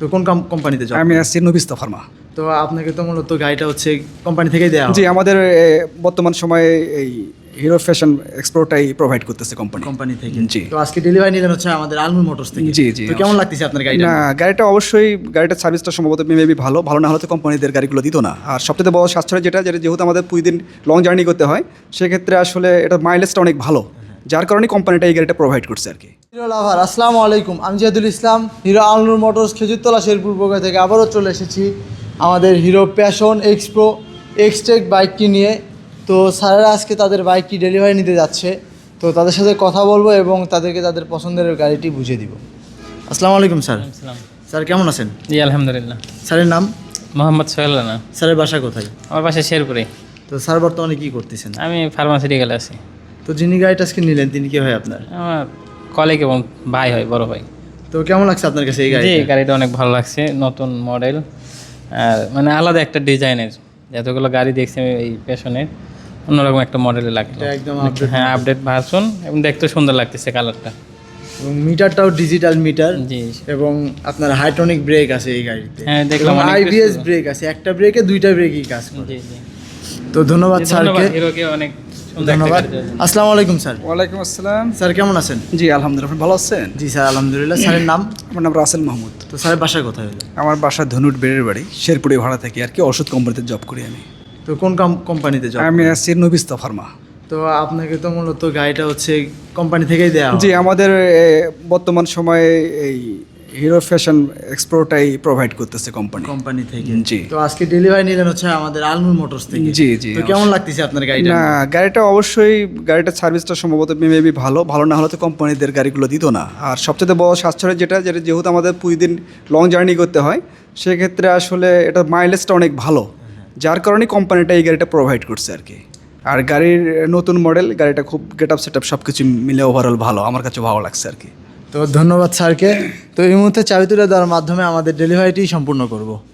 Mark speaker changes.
Speaker 1: তো কোন কোম্পানিতে জব?
Speaker 2: আমি আছি নবিস্তা ফার্মা।
Speaker 1: তো আপনাকে তো মূলত গাড়িটা হচ্ছে কোম্পানি থেকেই দেওয়া হয়?
Speaker 2: জি, আমাদের বর্তমান সময়ে এই হিরো ফ্যাশন এক্সপ্লোরটাই প্রোভাইড করতেছে
Speaker 1: কোম্পানি থেকে।
Speaker 2: জি।
Speaker 1: তো আজকে ডেলিভারি নিলেন হচ্ছে আমাদের আলমুর মোটরস থেকে।
Speaker 2: জি, জি।
Speaker 1: তো কেমন লাগতেছে আপনার গাড়িটা?
Speaker 2: না, গাড়িটা অবশ্যই গাড়িটার সার্ভিসটা সম্ভবত মেবি ভালো না হলে তো কোম্পানিদের গাড়িগুলো দিত না। আর সবচেয়ে বড় সাশ্রয় যেটা যেহেতু আমাদের প্রতিদিন লং জার্নি করতে হয়, সেক্ষেত্রে আসলে এটা মাইলেজটা অনেক ভালো, যার কারণে কোম্পানিটা এই গাড়িটা প্রোভাইড করছে আর কি।
Speaker 1: হিরো লাভার, আসসালামু আলাইকুম। আমি জিয়াদুল ইসলাম, হিরো আলনুর মোটরস খেজুরতলা শেরপুর বগুড়া থেকে আবারও চলে এসেছি আমাদের হিরো প্যাশন এক্সপ্রো এক্সটেক বাইকটি নিয়ে। তো স্যারেরা আজকে তাদের বাইকটি ডেলিভারি নিতে যাচ্ছে, তো তাদের সাথে কথা বলবো এবং তাদেরকে তাদের পছন্দের গাড়িটি বুঝিয়ে দিব। আসসালামু আলাইকুম স্যার। স্যার কেমন আছেন?
Speaker 3: জি আলহামদুলিল্লাহ।
Speaker 1: স্যারের নাম?
Speaker 3: মোহাম্মদ সোহেল রানা।
Speaker 1: স্যারের বাসা কোথায়?
Speaker 3: আমার বাসা শেরপুরে।
Speaker 1: তো স্যার বর্তমানে কী করতেছেন?
Speaker 3: আমি ফার্মাসিউটিক্যালে আছি।
Speaker 1: তো যিনি গাড়িটা আজকে নিলেন তিনি কে হয় আপনার?
Speaker 3: আমার কলিগ এবং ভাই হয়, বড় ভাই।
Speaker 1: তো কেমন লাগছে আপনার কাছে এই গাড়ি?
Speaker 3: জি, গাড়িটা অনেক ভালো লাগছে, নতুন মডেল আর মানে আলাদা একটা ডিজাইনের। যতগুলো গাড়ি দেখছি আমি এই প্যাশনের, অন্যরকম একটা মডেলে লাগলো।
Speaker 1: এটা একদম আপডেট।
Speaker 3: হ্যাঁ, আপডেট ভার্সন এবং দেখতে সুন্দর লাগতেছে কালারটা।
Speaker 1: এবং মিটারটাও ডিজিটাল মিটার
Speaker 3: জি।
Speaker 1: এবং আপনার হাইড্রোলিক ব্রেক আছে এই গাড়িতে।
Speaker 3: হ্যাঁ, দেখলাম
Speaker 1: এবং
Speaker 3: অনেক
Speaker 1: আইবিএস
Speaker 3: কিছু।
Speaker 1: ব্রেক আছে, একটা ব্রেকে দুইটা ব্রেকই কাজ করে।
Speaker 3: জি জি।
Speaker 1: তো ধন্যবাদ স্যারকে।
Speaker 3: হিরোকে অনেক সুন্দর একটা
Speaker 1: ধন্যবাদ।
Speaker 3: গাড়ি দেওয়ার জন্য।
Speaker 1: আসসালামু আলাইকুম স্যার।
Speaker 2: ওয়ালাইকুম আসসালাম।
Speaker 1: স্যার কেমন আছেন?
Speaker 2: জি আলহামদুলিল্লাহ, আপনি ভালো আছেন?
Speaker 1: জি স্যার আলহামদুলিল্লাহ। স্যারের নাম?
Speaker 2: আমার নাম রাসেল মাহমুদ।
Speaker 1: তো স্যারের বাসা কোথায় হলো?
Speaker 2: আমার বাসা ধনুট বেড়ের বাড়ি, শেরপুরে ভাড়া থাকি আর কি, ওষুধ কোম্পানিতে জব করি আমি।
Speaker 1: তো কোন কোম্পানিতে জব?
Speaker 2: আমি আছি নবিস্তা ফার্মা।
Speaker 1: তো আপনাকে তো মূলত গাড়িটা হচ্ছে কোম্পানি থেকেই দেওয়া হয়?
Speaker 2: জি, আমাদের বর্তমান সময়ে এই হিরো ফ্যাশন এক্সপ্লোরটাই প্রোভাইড করতেছে
Speaker 1: কোম্পানি থেকে।
Speaker 2: জি।
Speaker 1: তো আজকে ডেলিভারি নিলেন হচ্ছে আমাদের আলমুর মোটরস থেকে।
Speaker 2: জি, জি।
Speaker 1: তো কেমন লাগতেছে আপনার গাড়িটা?
Speaker 2: না, গাড়িটা অবশ্যই গাড়িটার সার্ভিসটা সম্ভবত মেবি ভালো না হলে তো কোম্পানিদের গাড়িগুলো দিত না। আর সবচেয়ে বড় সাশ্রয় যেটা যেহেতু আমাদের প্রতিদিন লং জার্নি করতে হয়, সেক্ষেত্রে আসলে এটা মাইলেজটা অনেক ভালো, যার কারণে কোম্পানিটা এই গাড়িটা প্রোভাইড করছে আর কি। আর গাড়ির নতুন মডেল, গাড়িটা খুব গেট আপ সেট আপ সব কিছু মিলে ওভারঅল ভালো, আমার কাছে ভালো লাগছে আর কি।
Speaker 1: তো ধন্যবাদ স্যারকে। তো এই মুহূর্তে চাবি তুলে দেওয়ার মাধ্যমে আমাদের ডেলিভারিটি সম্পূর্ণ করব।